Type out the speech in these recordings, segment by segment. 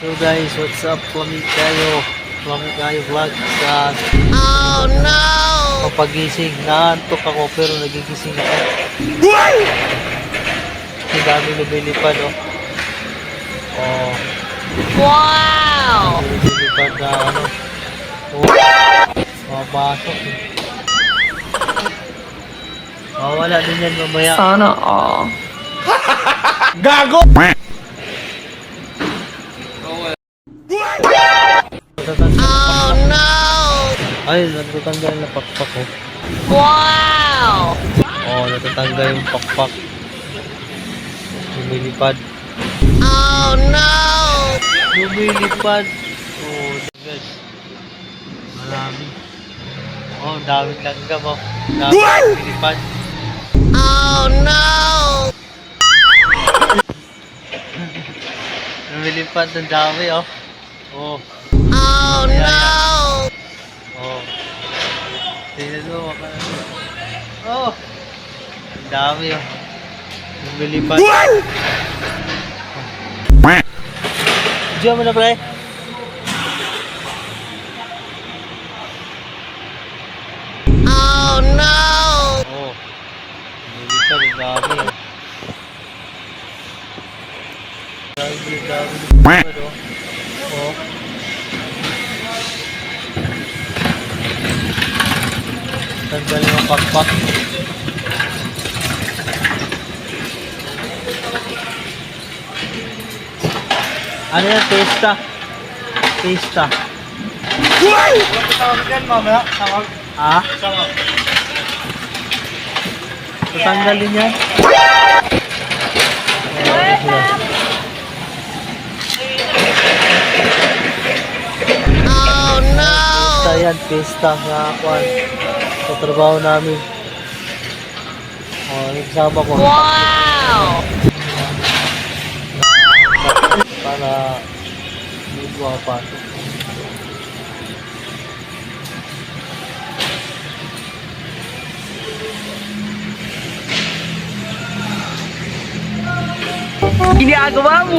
So guys, what's up? Lamig kayo vlog sa papagising. Naantok ako pero nagigising ako. Ang dami lumilipad oh. Oh. Wow! Lumilipad na ano. Oh. Mapasok eh. Mawala din yan mamaya. Sana all. Gago! Oh no! Ay, natatanggal na pakpak oh. Wow! Oh, natatanggal yung pakpak. Lumilipad. Oh no! Lumilipad. Oh, guys. Marami. Oh, daming langgam oh. Daming lumilipad. Oh no! Lumilipad ng dami oh. Oh. Oh no! Oh. Tingnan mo, oh. Ang dami oh. Lumilipad. Diyan mo na pre. Oh no! Oh. Lumilipad ang dami oh. Dami lumilipad oh. Oh. Tanggal yung pakpak. Ano yan? Pesta. Pesta. Tawag yan, mamaya. Tawag. Ha? Tawag. Tatanggalin yan? Oh no! Pesta yan. Pesta nga kwan. Sa trabaho namin. Oh, nagsama ko. Wow! Para may buha pa. Ginagawa mo!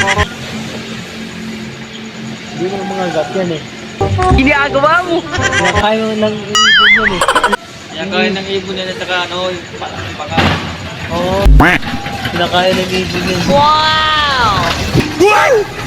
Hindi mo mga gat yan eh. Ginagawa mo! Kinakain mo ng ibon yan eh. Kinakain ng ibon yan at saka ano, yung paka. Oo. Kinakain ng ibon yan. Wow!